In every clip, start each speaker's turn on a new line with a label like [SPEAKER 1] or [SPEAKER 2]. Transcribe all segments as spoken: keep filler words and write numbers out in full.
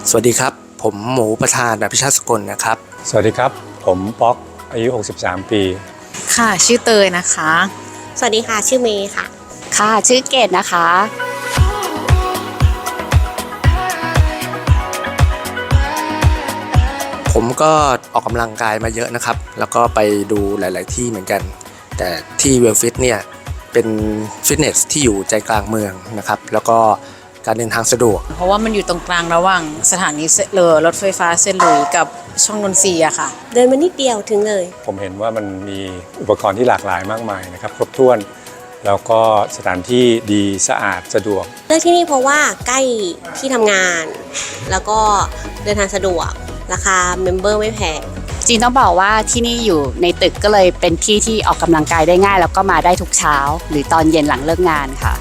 [SPEAKER 1] สวัสดีครับผมหมูประธานอภิชาติสกลนะครับ
[SPEAKER 2] สวัสดีครับผมป๊อกอายุหกสิบสามปี
[SPEAKER 3] ค่ะชื่อเตยนะคะ
[SPEAKER 4] สวัสดีค่ะชื่อเมย์ค่ะ
[SPEAKER 5] ค่ะชื่อเกดนะคะ
[SPEAKER 1] ผมก็ออกกำลังกายมาเยอะนะครับแล้วก็ไปดูหลายๆที่เหมือนกันแต่ที่เวลฟิตเนี่ยเป็นฟิตเนสที่อยู่ใจกลางเมืองนะครับแล้วก็การเดินทางสะดวก
[SPEAKER 3] เพราะว่ามันอยู่ตรงกลางระหว่างสถานีเรือรถไฟฟ้าเซนต์หลุยส์กับช่องนนทรีย์อะค่ะ
[SPEAKER 4] เดินมานิดเดียวถึงเลย
[SPEAKER 2] ผมเห็นว่ามันมีอุปกรณ์ที่หลากหลายมากมายนะครับครบถ้วนแล้วก็สถานที่ดีสะอาดสะดวก
[SPEAKER 4] เลือกที่นี่เพราะว่าใกล้ที่ทำงานแล้วก็เดินทางสะดวกราคาเมมเบอร์ไม่แพง
[SPEAKER 5] จริงต้องบอกว่าที่นี่อยู่ในตึกก็เลยเป็นที่ที่ออกกำลังกายได้ง่ายแล้วก็มาได้ทุกเช้าหรือตอนเย็นหลังเลิกงานค่ะ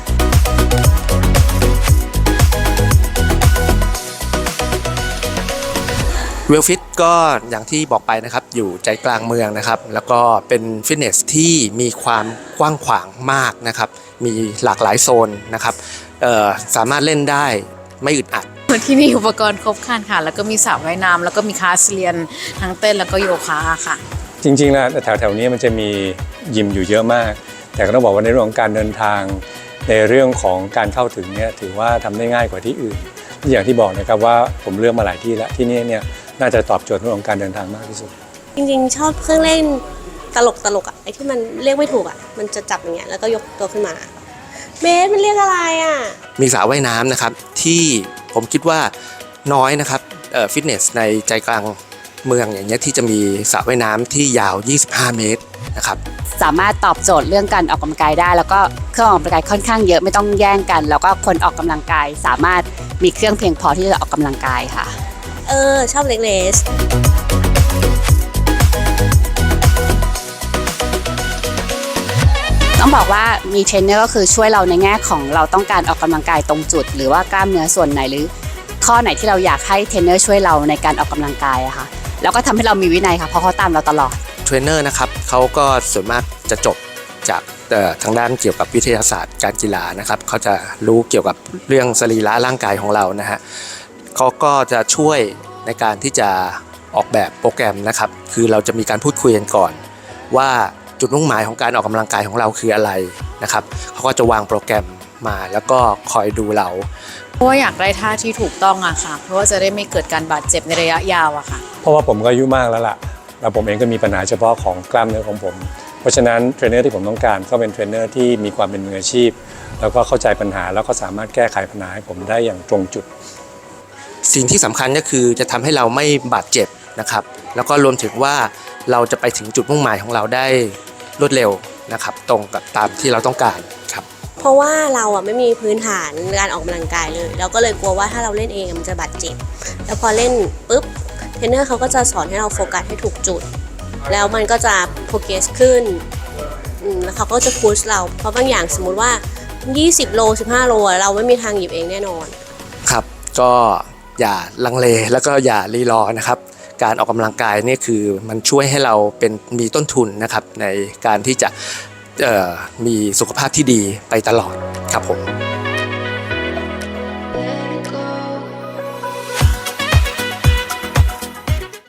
[SPEAKER 1] เวลฟิตก็อย่างที่บอกไปนะครับอยู่ใจกลางเมืองนะครับแล้วก็เป็นฟิตเนสที่มีความกว้างขวางมากนะครับมีหลากหลายโซนนะครับสามารถเล่นได้ไม่อึดอัด
[SPEAKER 3] ที่นี่อุปกรณ์ครบครันค่ะแล้วก็มีสระว่ายน้ำแล้วก็มีคลาสเรียนทั้งเต้นแล้วก็โยคะค่ะ
[SPEAKER 2] จริงๆแล้วแถวๆนี้มันจะมียิมอยู่เยอะมากแต่ก็ต้องบอกว่าในเรื่องของการเดินทางในเรื่องของการเข้าถึงเนี่ยถือว่าทำได้ง่ายกว่าที่อื่นอย่างที่บอกนะครับว่าผมเลือกมาหลายที่แล้วที่นี่เนี่ยน่าจะตอบโจทย์เรื่องของการเดินทางมากที่สุด
[SPEAKER 4] จริงๆชอบเครื่องเล่นตลกตลกอ่ะไอ้ที่มันเรียกไม่ถูกอ่ะมันจะจับอย่างเงี้ยแล้วก็ยกตัวขึ้นมาเบสมันเรียกอะไรอ่ะ
[SPEAKER 1] มีสระว่ายน้ำนะครับที่ผมคิดว่าน้อยนะครับฟิตเนสในใจกลางเมืองอย่างเงี้ยที่จะมีสระว่ายน้ำที่ยาวยี่สิบห้าเมตรนะครับ
[SPEAKER 5] สามารถตอบโจทย์เรื่องการออกกำลังกายได้แล้วก็เครื่องออกกำลังกายค่อนข้างเยอะไม่ต้องแย่งกันแล้วก็คนออกกำลังกายสามารถมีเครื่องเพียงพอที่จะออกกำลังกายค่ะ
[SPEAKER 4] เออชอบเล็กเลส
[SPEAKER 5] ต้องบอกว่ามีเทรนเนอร์ก็คือช่วยเราในแง่ของเราต้องการออกกำลังกายตรงจุดหรือว่ากล้ามเนื้อส่วนไหนหรือข้อไหนที่เราอยากให้เทรนเนอร์ช่วยเราในการออกกำลังกายอะค่ะแล้วก็ทำให้เรามีวินัยค่ะเพราะเขาตามเราตลอด
[SPEAKER 1] เทรนเนอร์นะครับเขาก็ส่วนมากจะจบจากทางด้านเกี่ยวกับวิทยาศาสตร์การกีฬานะครับเขาจะรู้เกี่ยวกับเรื่องสรีระร่างกายของเรานะฮะเขาก็จะช่วยในการที่จะออกแบบโปรแกรมนะครับคือเราจะมีการพูดคุยกันก่อนว่าจุดมุ่งหมายของการออกกำลังกายของเราคืออะไรนะครับเขาก็จะวางโปรแกรมมาแล้วก็คอยดูเรา
[SPEAKER 3] เพราะว่าอยากได้ท่าที่ถูกต้องอะค่ะเพราะว่าจะได้ไม่เกิดการบาดเจ็บในระยะยาวอะค่ะ
[SPEAKER 2] เพราะว่าผมก็อายุมากแล้วล่ะแล้วผมเองก็มีปัญหาเฉพาะของกล้ามเนื้อของผมเพราะฉะนั้นเทรนเนอร์ที่ผมต้องการก็เป็นเทรนเนอร์ที่มีความเป็นมืออาชีพแล้วก็เข้าใจปัญหาแล้วก็สามารถแก้ไขปัญหาให้ผมได้อย่างตรงจุด
[SPEAKER 1] สิ่งที่สำคัญก็คือจะทำให้เราไม่บาดเจ็บนะครับแล้วก็รวมถึงว่าเราจะไปถึงจุดมุ่งหมายของเราได้รวดเร็วนะครับตรงกับตามที่เราต้องการครับ
[SPEAKER 4] เพราะว่าเราอ่ะไม่มีพื้นฐานการออกกำลังกายเลยเราก็เลยกลัวว่าถ้าเราเล่นเองมันจะบาดเจ็บแล้วพอเล่นปุ๊บเทรนเนอร์เขาก็จะสอนให้เราโฟกัสให้ถูกจุดแล้วมันก็จะโปรเกรสขึ้นแล้วเขาก็จะพุชเราเพราะบางอย่างสมมุติว่ายี่สิบโลสิบห้าโลเราไม่มีทางหยิบเองแน่นอน
[SPEAKER 1] ครับก็อย่าลังเลแล้วก็อย่ารีรอนะครับการออกกำลังกายนี่คือมันช่วยให้เราเป็นมีต้นทุนนะครับในการที่จะมีสุขภาพที่ดีไปตลอดครับผม